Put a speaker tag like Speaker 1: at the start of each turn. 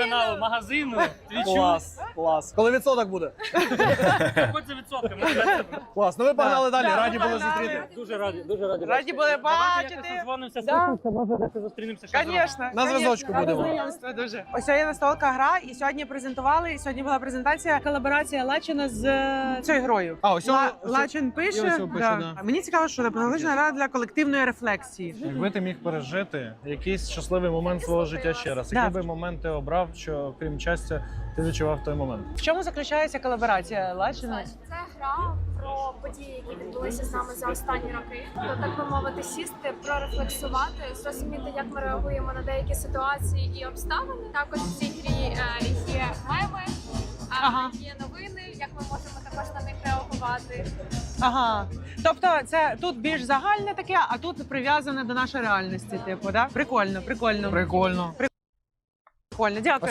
Speaker 1: телеканалу, магазину, твічу.
Speaker 2: Клас, клас. Коли відсоток буде?
Speaker 1: Хоч за відсотками.
Speaker 2: Клас, ну ви погнали далі,
Speaker 3: Да,
Speaker 2: раді
Speaker 3: ми
Speaker 2: були
Speaker 3: погнали.
Speaker 2: зустріти.
Speaker 1: Дуже раді, дуже раді.
Speaker 3: Раді були
Speaker 1: Давайте якось
Speaker 3: бачити.
Speaker 1: созвонимося,
Speaker 3: Да.
Speaker 1: слухаємося, може десь зустрінемося. ще зробимо.
Speaker 3: Звісно.
Speaker 2: На зв'язочку будемо.
Speaker 3: Знайомство дуже. Ось є настолка гра, і сьогодні презентували, і сьогодні була презентація, колаборація Лачина з цією грою.
Speaker 2: А, ось
Speaker 3: Лачин
Speaker 2: і
Speaker 3: пише.
Speaker 2: ось пише, да.
Speaker 3: Мені цікаво, що технологічна гра для колективної рефлексії.
Speaker 2: Якби ти міг пережити якийсь щасливий момент свого життя ще раз,
Speaker 3: Да.
Speaker 2: який би момент ти обрав, що крім щастя, ти відчував в той момент?
Speaker 3: В чому заключається колаборація Лачина?
Speaker 4: Це гра про події, які відбулися з нами за останні роки. То, так би мовити, сісти, прорефлексувати, зрозуміти, як ми реагуємо на деякі ситуації і обставини. Також в цій грі є меми,
Speaker 3: Ага.
Speaker 4: є новини, як ми можемо також на них реагувати.
Speaker 3: Ага. Тобто це тут більш загальне таке, а тут прив'язане до нашої реальності, типу, да? Прикольно, прикольно.
Speaker 2: Прикольно.
Speaker 3: Прикольно, дякую.